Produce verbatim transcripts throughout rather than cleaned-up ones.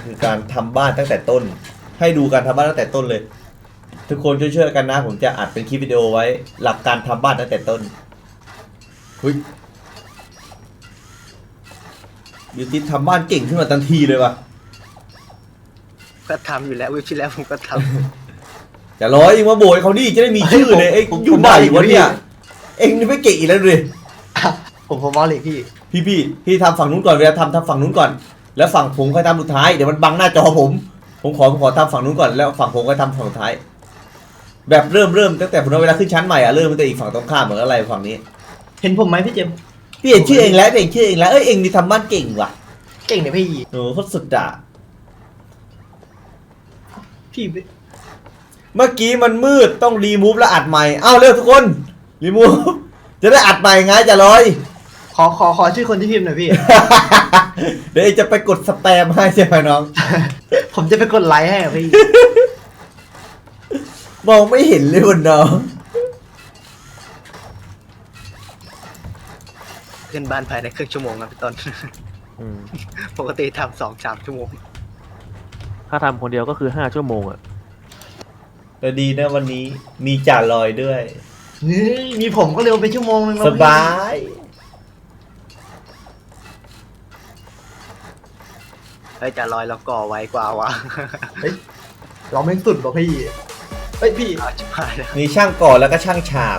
คือการทำบ้านตั้งแต่ต้นให้ดูการทำบ้านตั้งแต่ต้นเลยทุกคนช่วยๆกันนะผมจะอัดเป็นคลิปวิดีโอไว้หลักการทำบ้านตั้งแต่ต้นเฮ้ยบิวตี้ทำบ้านเก่งขึ้นมาทันทีเลยว่ะก็ทำอยู่แล้ววิปที่แล้วผมก็ทอย่าร้อยเองมาโบยเขาดิจะได้มีชื่อเลยเอ้ยอยู่ไหนวะเนี่ยเองนี่ไม่เก่งอีกแล้วเลยำผมผมมอลิพี่พี่พี่พี่ทำฝั่งนู้นก่อนเวลาทำทำฝั่งนู้นก่อนแล้วฝั่งผมค่อยทำสุดท้ายเดี๋ยวมันบังหน้าจอผมผมขอผมขอทำฝั่งนู้นก่อนแล้วฝั่งผมค่อยทำฝั่งสุดท้ายแบบเริ่มเริ่มตั้งแต่ผมเวลาขึ้นชั้นใหม่อะเริ่มตั้งแต่อีกฝั่งตรงข้ามเหมือนอะไรฝั่งนี้เห็นผมไหมพี่เจมส์พี่เห็นชื่อเองแล้วพี่เห็นชื่อเองแล้วเอ้ยเองนี่ทำบ้านเก่งว่ะเก่งเนี่ยพี่โอ้โหโคตรสุดอ่ะพี่เมื่อกี้มันมืดต้องรีมูฟแล้วอัดใหม่เอ้าเร็วทุกคนรีมูฟจะได้อัดใหม่ไงจะลอยขอขอขอชื่อคนที่พิมพ์หน่อยพี่เดี๋ยวเองจะไปกดสแปมให้ใช่ไหมน้องผมจะไปกดไลค์ให้อะพี่มองไม่เห็นเลยวันน้องำขึ้นบ้านภายในครึ่งชั่วโมงครับพี่ต้นอืมปกติทำสองสามชั่วโมงถ้าทำคนเดียวก็คือห้าชั่วโมงอ่ะแต่ดีนะวันนี้มีจ่าลอยด้วยนี่มีผมก็เร็วไปชั่วโมงนึงแล้วสพี่บายเฮ้ยจะลอยเราก่อไวกว่าวะเฮ้ยเราไม่งสุดหรอกพี่เฮ้ยพี่เอาชิบหายแล้วมีช่างก่อแล้วก็ช่างฉาบ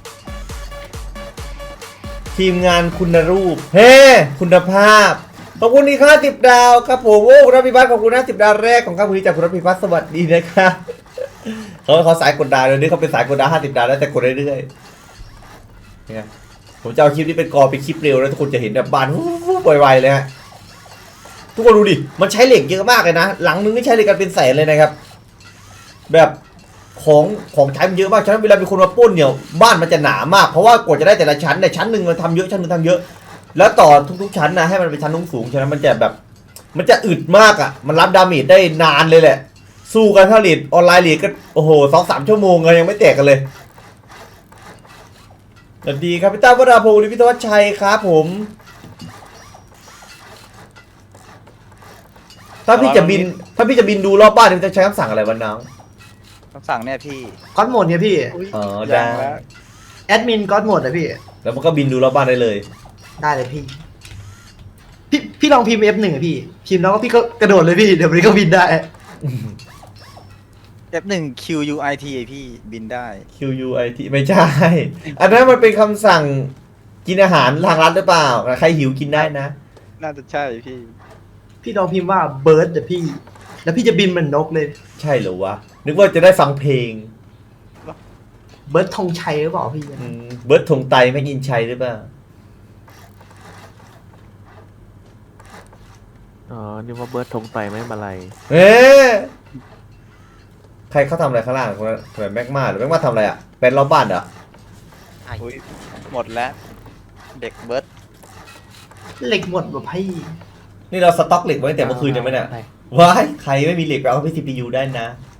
ทีมงานคุณรูป เฮ้ คุณภาพ ขอบคุณที่ค่าสิบดาวครับผมโอ้คุณรัพิพัฒน์ขอบคุณนะสิบดาวแรกของข้าพเจ้าจากคุณรัพิพัฒน์สวัสดีนะครับเขาเขาสายกดดาวเดี๋ยวนี้เขาเป็นสายกดดาวห้าสิบดาวแล้วแต่กดเรื่อยๆเนี่ยผมจะเอาคลิปนี้เป็นกอเป็นคลิปเร็วแล้วทุกคนจะเห็นแบบบานวูบๆไวๆเลยฮะทุกคนดูดิมันใช้เหล็กเยอะมากเลยนะหลังนึงนี่ใช้เหล็กกันเป็นแสนเลยนะครับ แบบของของใช้มันเยอะมากฉะนั้นเวลามีคนมาปล้นเนี่ยบ้านมันจะหนามากเพราะว่ากว่าจะได้แต่ละชั้นเนี่ยชั้นหนึ่งมันทำเยอะชั้นหนึงทำเยอะ แล้วต่อทุกๆชั้นนะให้มันเป็นชั้นสูงๆฉะนั้นมันจะแบบ มันจะอึดมากอ่ะมันรับดาเมจได้นานเลยแหละ สู้กันถ้าลีดออนไลน์ลีดก็โอ้โหสองสามชั่วโมงเลยยังไม่แตกกันเลยสวัสดีครับพี่ต้าวราพงศ์พิทวัชชัยครับผม ถ้าพี่จะบิน ถ้าพี่จะบินดูรอบบ้านพี่จะใช้คำสั่งอะไรวะน้องคำสั่งเนี่ยพี่ก๊อตโหมดเนี่ยพี่อ๋อยัได้งแล้วแอดมินก๊อตโหมดอะพี่แล้วมันก็บินดูรอบบ้านได้เลยได้เลยพี่ พี่พี่ลองพิมพ์ เอฟ หนึ่ง อะพี่ พิมพ์แล้วก็พี่ก็กระโดดเลยพี่ เดี๋ยวมันก็บินได้เอฟ หนึ่ง คิว ยู ไอ ที พี่บินได้ Q U I T ไม่ใช่ อันนั้นมันเป็นคำสั่งกินอาหารทางร้านหรือเปล่า ใครหิวกินได้นะน่าจะใช่พี่พี่ลองพิมพ์ว่าเบิร์ดเดี๋ยวพี่ แล้วพี่จะบินเหมือนนกเลยใช่เหรอวะ นึกว่าจะได้ฟังเพลงเบิร์ดธงชัยหรือเปล่าพี่อืมเบิร์ดธงไตไม่กินชัยหรือเปล่าอ๋อนี่ว่าเบิร์ดธงไตไม่มาลัยเอ๊ะใครเขาทำอะไรข้างล่างคนนั้นคนนั้นแม็กมาหรือแม็กมาทำอะไรอ่ะ เป็นรอบบ้านเหรออุ้ยหมดแล้ว เด็กเบิร์ดเหล็กหมดแบบพี่นี่เราสต็อกเหล็กไว้ตั้งแต่เมื่อคืนยังไหมเนี่ยว้ายใครไม่มีเหล็กไปเอาไป ซี พี ยู ได้นะ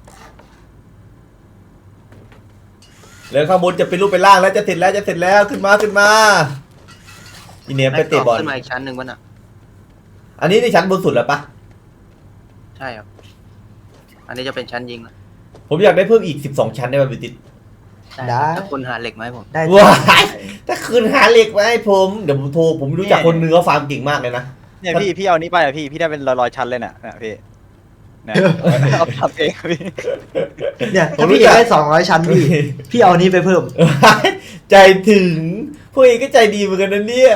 แล้วข้างบนจะเป็นรูปเป็นร่างแล้วจะเสร็จแล้วจะเสร็จแล้วขึ้นมาขึ้นมาอีเนียไปเตะบอลขึ้นมาอีกชั้นหนึ่งวะน่ะอันนี้ในชั้นบนสุดแล้วปะใช่ครับ อันนี้จะเป็นชั้นยิงแล้วผมอยากได้เพิ่มอีกสิบสองชั้นได้ป่ะบิวติดได้ถ้าคุณหาเหล็กมาให้ผมได้ว้ายถ้าคืนหาเหล็กไว้ให้ผม เดี๋ยวผมโทร ผมรู้จักคนเนื้อฟาร์มเก่งมากเลยนะเนี่ยพี่พี่เอานี้ไปอ่ะพี่ พี่ได้เป็นร้อยๆชั้นเลยน่ะนะพี่นะเอาทำเองพี่เนี่ยถ้าพี่อยากได้สองร้อยชั้นพี่ พี่เอาอันนี้ไปเพิ่มใจถึง พวกเองก็ใจดีเหมือนกันนะเนี่ย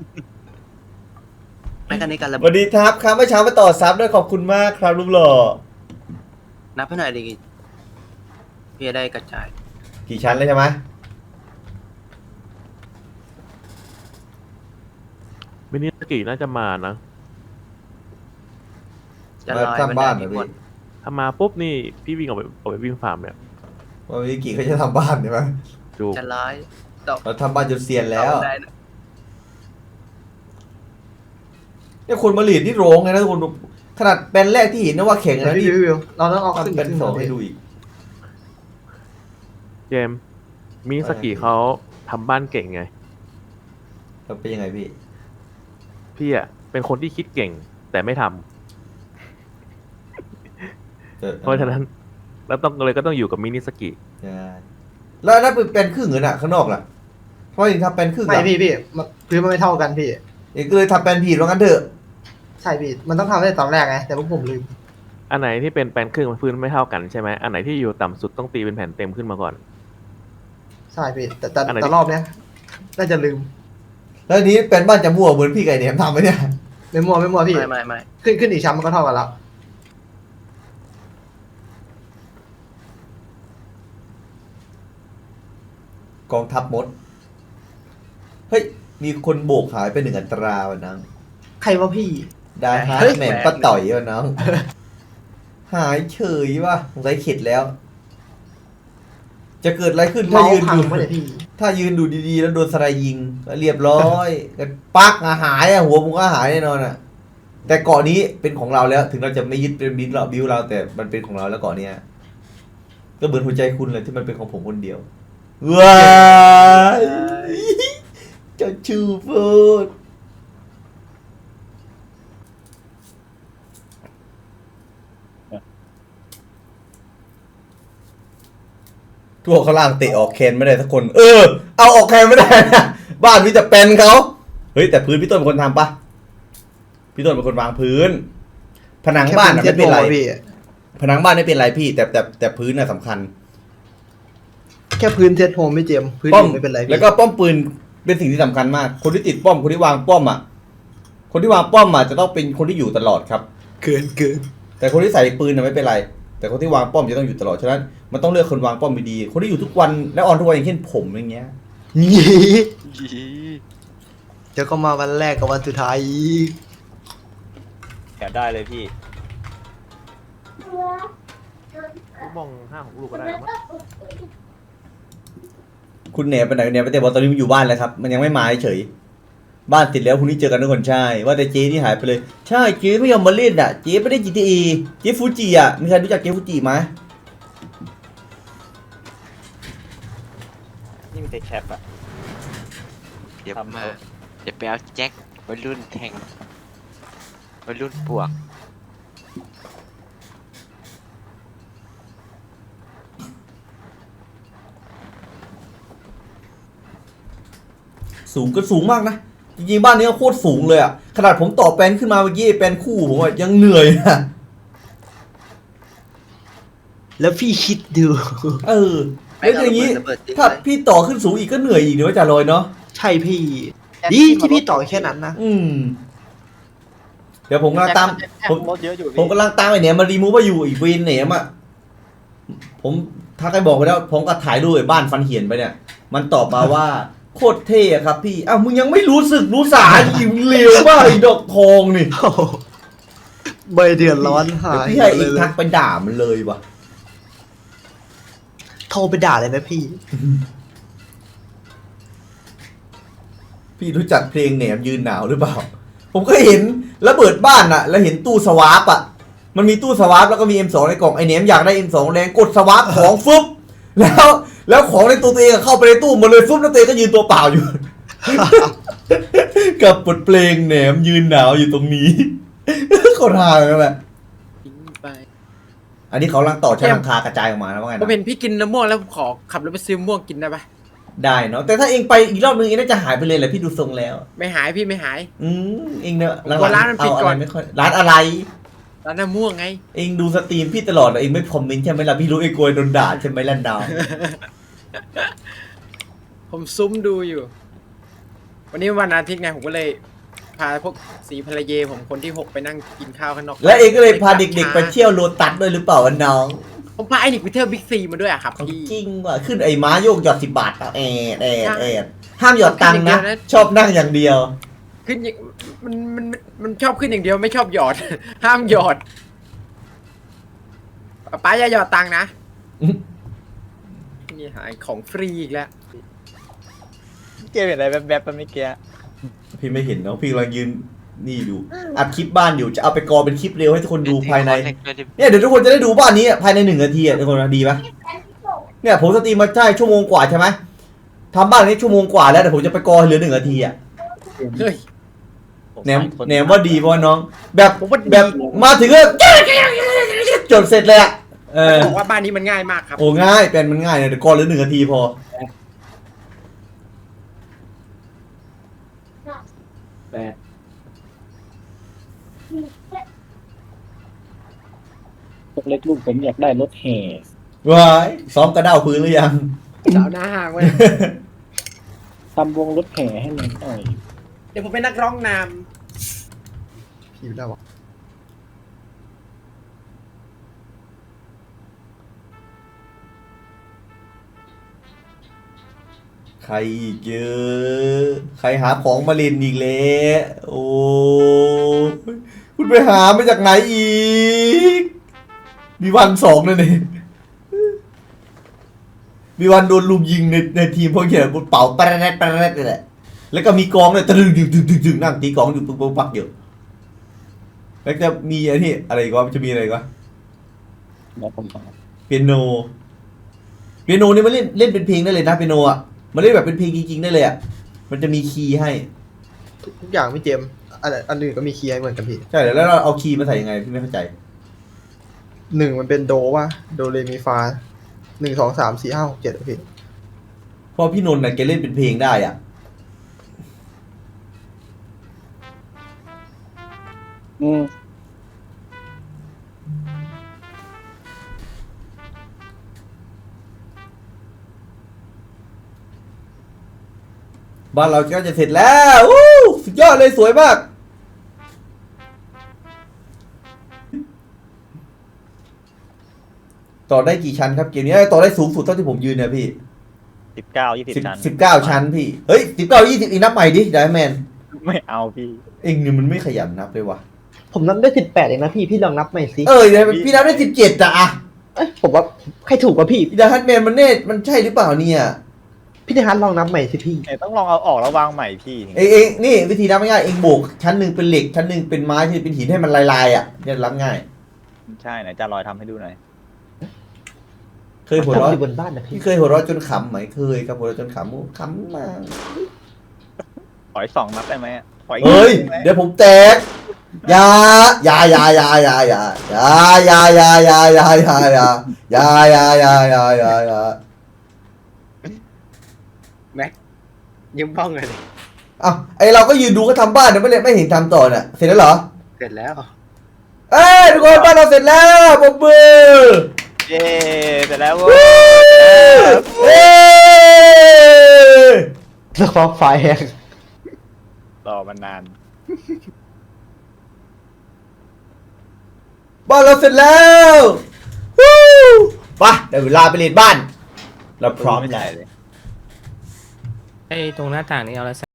แม่กันนี้การระสเบิวัดสดีครับครับเมื่อเช้ามาต่อซับด้วยขอบคุณมากครับรูปหล่อนับให้หน่อยดิพี่จะได้กระจายกี่ชั้นเลยใช่ไหมมินิสกิน่าจะมานะจะลอยสร้างบ้านเหรมัอได้พี่หมดถ้ามาปุ๊บนี่พี่วิ่งออกไปออกไปวิ่งฟาร์มเนี่ยว่าวิกิเขาจะทำบ้านใช่ไหมจูบจะลอยตกเราทำบ้านจนเซียนแล้วได้นะเนี่ยคนมาหลีดนี่โรงไงนะทุกคนดูขนาดแปลนแรกที่เห็นนะว่าแข่งเดี๋ยวนะพี่ที่วิวเราต้องเอาขึ้นทำแปลนขึ้นสองมาให้ดูอีกเจมส์มินิสกิเขาทำบ้านเก่งไงแล้วเป็นยังไงพี่พี่อ่ะเป็นคนที่คิดเก่งแต่ไม่ทออเพราะฉะนั้นเราต้องเลยก็ต้องอยู่กับมินิสกิใช่แล้วนั่นเป็นเป็นครึ่งเหรอน่ะข้างนอกล่ะเพราะเองทำเป็นครึ่งไม่อ่ะพี่พี่มันพื้นมันไม่เท่ากันพี่เองก็เลยทำเป็นผิดว่างั้นเถอะใช่พี่มันต้องทำตั้งแต่ตอนแรกไงแต่พวกผมลืมอันไหนที่เป็นแปลนครึ่งพื้นไม่เท่ากันใช่ไหมอันไหนที่อยู่ต่ำสุดต้องตีเป็นแผ่นเต็มขึ้นมาก่อนใช่พี่แต่แต่อันไหนแต่รอบเนี้ยน่าจะลืมแล้วทีนี้เป็นบ้านจะมั่วเหมือนพี่ไก่เนี่ยทำไหมเนี่ยไม่มัวไม่มัวพี่ไม่ไม่ไม่ขึ้นขึ้นอีกชั้นมันก็เท่ากันแล้วกองทัพมดเฮ้ยมีคนโบกหายไปหนึ่งอัตราวันนั้นใครวะพี่ได้ฮาร์ดแมนป้าต่อยวันน้องหายเฉยว่ะสงสัยเข็ดแล้ว จะเกิดอะไรขึ้นถ้าเมายืนพังดูไม่ได้พี่ถ้ายืนดูดีๆ แล้วโดนสไลด์ยิงก็เรียบร้อยกันปักอะหายอะหัวมึงก็หายแน่นอนอะแต่เกาะนี้เป็นของเราแล้ว ถึงเราจะไม่ยึดเป็นบิลเราบิวเราแต่มันเป็นของเราแล้วเกาะเนี้ยก็เหมือนหัวใจคุณเลยที่มันเป็นของผมคนเดียวว้ายเจ้าชูพูดทั่วข้างล่างเตะออกแคนไม่ได้สักคน เออ เอาออกแคนไม่ได้นะบ้านพี่จะเป็นเขาเฮ้ยแต่พื้นพี่ต้นเป็นคนทำปะพี่ต้นเป็นคนวางพื้น ผนังบ้านน่ะไม่เป็นไรแค่พื้นเทียบโมพี่ผนังบ้านไม่เป็นไรพี่ แต่แต่แต่พื้นน่ะสำคัญแค่พื้นเทสโฮมไม่เจมพื้นป้อมอื่นไม่เป็นไรพี่แล้วก็ป้อมปืนเป็นสิ่งที่สำคัญมาก คนที่ติดป้อมคนที่วางป้อมอ่ะ คนที่วางป้อมอ่ะจะต้องเป็นคนที่อยู่ตลอดครับเกินเกินแต่คนที่ใส่ปืนน่ะไม่เป็นไร แต่คนที่วางป้อมจะต้องอยู่ตลอดฉะนั้นมันต้องเลือกคนวางป้อมดีๆคนที่อยู่ทุกวันและออนทุกวันอย่างเช่นผมอย่างเงี้ยนี่เดี๋ยวก็มาวันแรกกับวันสุดท้ายอีกแอบได้เลยพี่ลูกมองห้าของลูกก็ได้มั้งคุณเหนไปไหนเนี่ยไปแต่บอกตอนนี้มันอยู่บ้านแล้วครับ มันยังไม่มาเฉยบ้านติดแล้วพรุ่งนี้เจอกันทุกคนใช่ว่าแต่เจนี่หายไปเลยใช่เจไม่ยอมมาเล่นอ่ะเจไม่ได้ จี ที เอ เจฟูจิอ่ะมีใครรู้จักเจฟูจิไหมนี่มีแต่แคปอะเดี๋ยวทำมาเอาเดี๋ยวไปเอาแจ็ควัยรุ่นแทงวัยรุ่นปวกสูงก็สูงมากนะจริงๆบ้านนี้ก็โคตรสูงเลยอ่ะขนาดผมต่อแปลนขึ้นมาเมื่อกี้แปลนคู่ผมอะยังเหนื่อยนะแล้วพี่คิดดูเออแล้วอย่างนี้ระเบิดจริงถ้าเลยพี่ต่อขึ้นสูงอีกก็เหนื่อยอีกเดี๋ยวจะลอยเนาะใช่พี่ดีที่พี่ต่อแค่นั้นนะอืมเดี๋ยวผมกำลังตามแคปผมรถเยอะอยู่ผมพี่กำลังตามไอ้เนี่ยมารีมูฟมาอยู่อีกเวนเนี่ยอ่ะผมทักไปบอกไปแล้วผมก็ถ่ายรูปไอ้บ้านฟันเหียนไปเนี่ย มันตอบมาว่าโคตรเท่อะครับพี่อ้าวมึงยังไม่รู้สึกรู้สาอีกเร็วมากไอ้ดอกทองนี่โอ้โหใบเดือดร้อนหาเดี๋ยวย พี่ให้เองทักไปด่ามันเลยวะโทรไปด่าเลยไหมพี่พี่รู้จักเพลงแหนมยืนหนาวหรือเปล่า ผมก็เห็นระเบิดบ้านอะแล้วเห็นตู้สวาปอะมันมีตู้สวาปแล้วก็มี เอ็ม สอง ในกล่องไอแหนมอยากได้ เอ็ม สอง แรงกดสวาปของฟึบแล้วแล้วของในตัวตัวเองอะเข้าไปในตู้หมดเลยฟึบแล้วตัวเองก็ยืนตัวเปล่าอยู่ กับบทเพลงแหนมยืนหนาวอยู่ตรงนี้ เขาทางกันแหละทิ้งไปอันนี้เขากำลังต่อชั้นหลังคากระจายออกมาแล้วว่าไงผมนะเห็นพี่กินน้ำม่วงแล้วผมขอขับรถไปซื้อมะม่วงกินได้ปะได้เนาะแต่ถ้าเองไปอีกรอบนึงเองน่าจะหายไปเลยแหละพี่ดูทรงแล้วไม่หายพี่ไม่หายอืมเองเนี่ยผมกลัวร้านมันปิดก่อนเาะไรไม่ค่อยร้านอะไรร้านน้ำม่วงไงเองดูสตรีมพี่ตลอดอะเองไม่คอมเมนต์ใช่ไหมล่ะพี่รู้เองกลัวโดนด่าใช่ไหมล่ะดาวผมซุ้มดูอยู่ วันนี้วันอาทิตย์ไงผมก็เลย พาพวกสีภรรยาผมคนที่หกไปนั่งกินข้าวข้างนอกและเองก็เลยพาเด็กๆไปเที่ยวโลตัสด้วยหรือเปล่าวะน้องผมพาไอ้นิกไปเที่ยวบิ๊กซีมาด้วยอะครับเอาพี่จริงว่ะขึ้นไอ้ม้าโยกหยอดสิบบาทเปล่าแอดแอดใช่แอดห้ามหยอดตังค์นะขึ้นอย่างเดียวนะชอบนั่งอย่างเดียวขึ้นอย่างมันมันมันมันชอบขึ้นอย่างเดียวไม่ชอบหยอด ห้ามหยอดป้าอย่าหยอดตังค์นะอืมนี่หายของฟรีอีกแล้วเกมเห็นอะไรแบบแบบๆเมื่อกี้พี่ไม่เห็นเนาะพี่กำลังยืนนี่ดูอัดคลิปบ้านอยู่จะเอาไปกอเป็นคลิปเร็วให้ทุกคนดูภายใน เนี่ยเดี๋ยวทุกคนจะได้ดูบ้านนี้อะภายในหนึ่งนาทีอะทุกคนนะดีปะเนี่ยผมสตรีมมาใช่ชั่วโมงกว่าใช่ไหมทำบ้านนี้ชั่วโมงกว่าแล้วแต่ผมจะไปกอให้เหลือหนึ่งนาทีอะเฮ้ยแหนมแหนมว่าดีป่ะน้อง แบบผมว่าดีแบบมาถึงก็จจบเสร็จเลยอะเออบอกว่าบ้านนี้มันง่ายมากครับโอ้ง่ายแปลนมันง่ายเนี่ยเดี๋ยวก่อนเหลือหนึ่งนาทีพอแปดเล็กลูกผมอยากได้รถแห่ว้ายซ้อมกระเด้าพื้นหรือยังสาวหน้าห้างไว้ทำวงรถแห่ให้มันหน่อยเดี๋ยวผมเป็นนักร้องนพิมพ์ได้วะใครอีกเยอะใครหาของมาเล่นอีกแล้วโอ้ยคุณไปหามาจากไหนอีก มีวันสองเลยเนี่ยมีวันโดนลุมยิงในในทีมเพราะเขียนบนเป๋าแปรดแปรดนี่แหละแล้วก็มีกองเลยตะลึงดึงดึงดึงดึงนั่งตีกองอยู่ปุ๊บปุ๊บปักอยู่แล้วจะมีไอ้นี่อะไรอีก็มันจะมีอะไรอีก็แล้วผมฟังเปียโนเปียโนนี่มันเล่นเล่นเป็นเพลงได้เลยนะเปียโนอ่ะมันเล่นแบบเป็นเพลงจริงๆได้เลยอ่ะมันจะมีคีย์ให้ทุกอย่างพี่เจมส์อันอันอื่นก็มีคีย์ให้เหมือนกันพี่ใช่แล้วเราเอาคีย์มาใส่ยังไงพี่ไม่เข้าใจหนึ่งมันเป็นโดว่ะโดเรมีฟาหนึ่งสองสามสี่ห้าหกเจ็ดพี่เพราะพี่นนท์น่ะแกเล่นเป็นเพลงได้อ่ะอืมบ้านเราก็จะเสร็จแล้ววู้สุดยอดเลยสวยมาก ต่อได้กี่ชั้นครับเกมนี้ต่อได้สูงสุดเท่าที่ผมยืนเนี่ยพี่สิบเก้ายี่สิบสิบชั้นสิบเก้าชั้นพี่เฮ้ยสิบเก้ายี่สิบอีกนับใหม่ดิไดแมนไม่เอาพี่เองนี่มันไม่ขยันนับเลยว่ะผมนับได้สิบแปดเองนะพี่พี่ลองนับใหม่สิเออเดี๋ยวพี่นับได้สิบเจ็ดอะอะเอ้ยผมว่าใครถูกกว่าพี่พี่ดาฮัตแมนมันเน่มันใช่หรือเปล่าเนี่ยพี่เดฮันลองนับใหม่สิพี่เอ้ยต้องลองเอาออกแล้ววางใหม่พี่เองเองนี่วิธีนับง่ายๆเองโบกชั้นหนึ่งเป็นเหล็กชั้นหนึ่งเป็นไม้ที่เป็นหินให้มันลายๆอ่ะเนี่ยรับง่ายใช่ไหนจะลอยทำให้ดูหน่อยเคยหัวเราะทำอยู่บนบ้านนะพี่พี่เคยหัวเราะจนขำไหมเคยครับหัวเราะจนขำโอ้ขำมากขออีกสองนับได้ไหมอะขออีกเฮ้ยนิดนึงไหมเดี๋ยวผมแตกอยาอยาอยาอยาอยาอยาอยาอยาอยาอยาอยาอยาอยาอยาอยาอยาอยาอยาำแม็กยิ้มบ้องเลยดิอ้าวไอเราก็ยืนดูเขาทำบ้านเนี่ยไม่เลยไม่เห็นทำต่อเนี่ยเสร็จแล้วเหรอเสร็จแล้วเอ้ยทุกคนบ้านเราเสร็จแล้วปรบมือเย้เสร็จแล้วเฮ้ยเฮ้ยสปอร์ไฟแฮงรอมันนานบ้านเราเสร็จแล้ววู้ไปได้เวลาไปเรียนบ้าน เราพร้อมไม่แล้ได้วเลยไอ้ตรงหน้าต่างนี่เอาอะไร